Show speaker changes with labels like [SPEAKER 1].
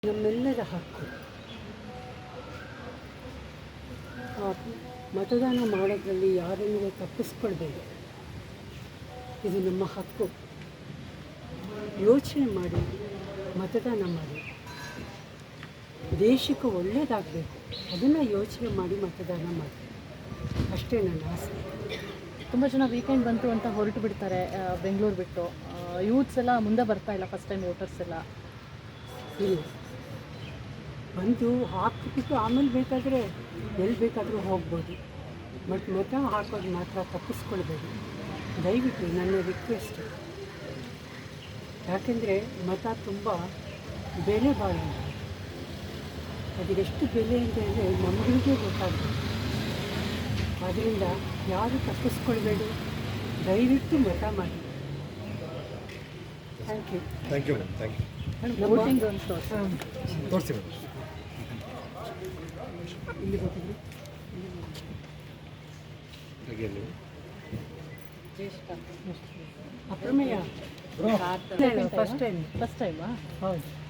[SPEAKER 1] ನಮ್ಮೆಲ್ಲರ ಹಕ್ಕು. ಮತದಾನ ಮಾಡೋದ್ರಲ್ಲಿ ಯಾರನ್ನೂ ತಪ್ಪಿಸ್ಕೊಳ್ಬೇಡಿ. ಇದು ನಮ್ಮ ಹಕ್ಕು. ಯೋಚನೆ ಮಾಡಿ ಮತದಾನ ಮಾಡಿ. ದೇಶಕ್ಕೆ ಒಳ್ಳೆಯದಾಗಬೇಕು, ಅದನ್ನು ಯೋಚನೆ ಮಾಡಿ ಮತದಾನ ಮಾಡಿ. ಅಷ್ಟೇ ನನ್ನ ಆಸೆ.
[SPEAKER 2] ತುಂಬ ಜನ ವೀಕೆಂಡ್ ಬಂತು ಅಂತ ಹೊರಟು ಬಿಡ್ತಾರೆ ಬೆಂಗಳೂರು ಬಿಟ್ಟು. ಯೂತ್ಸ್ ಎಲ್ಲ ಮುಂದೆ ಬರ್ತಾ ಇಲ್ಲ, ಫಸ್ಟ್ ಟೈಮ್ ವೋಟರ್ಸ್ ಎಲ್ಲ.
[SPEAKER 1] ಇಲ್ಲ, ಬಂದು ಹಾಕಿಬಿಟ್ಟು ಆಮೇಲೆ ಬೇಕಾದರೆ ಎಲ್ಲಿ ಬೇಕಾದರೂ ಹೋಗ್ಬೋದು. ಬಟ್ ಮತ ಹಾಕೋದು ಮಾತ್ರ ತಪ್ಪಿಸ್ಕೊಳ್ಬೇಡಿ ದಯವಿಟ್ಟು, ನನ್ನ ರಿಕ್ವೆಸ್ಟ್. ಯಾಕೆಂದರೆ ಮತ ತುಂಬ ಬೆಲೆ ಬಾಳು. ಅದೆಷ್ಟು ಬೆಲೆ ಅಂತ ಹೇಳಿದ್ರೆ ನಮಗಳಿಗೆ ಗೊತ್ತಾಗ್ತದೆ. ಆದ್ದರಿಂದ ಯಾರು ತಪ್ಪಿಸ್ಕೊಳ್ಬೇಡಿ, ದಯವಿಟ್ಟು ಮತ ಮಾಡಿ. Thank you.
[SPEAKER 3] Thank you madam, thank you.
[SPEAKER 2] Voting
[SPEAKER 3] ತೋರಿಸಿ ಮೇಡಮ್.
[SPEAKER 1] ಇಲ್ಲಿ ಗೊತ್ತಿದ್ರು ಅಪ್ರಮೇಯ ಫಸ್ಟ್ ಟೈಮ್.
[SPEAKER 2] ಫಸ್ಟ್ ಟೈಮಾ?
[SPEAKER 1] ಹೌದು.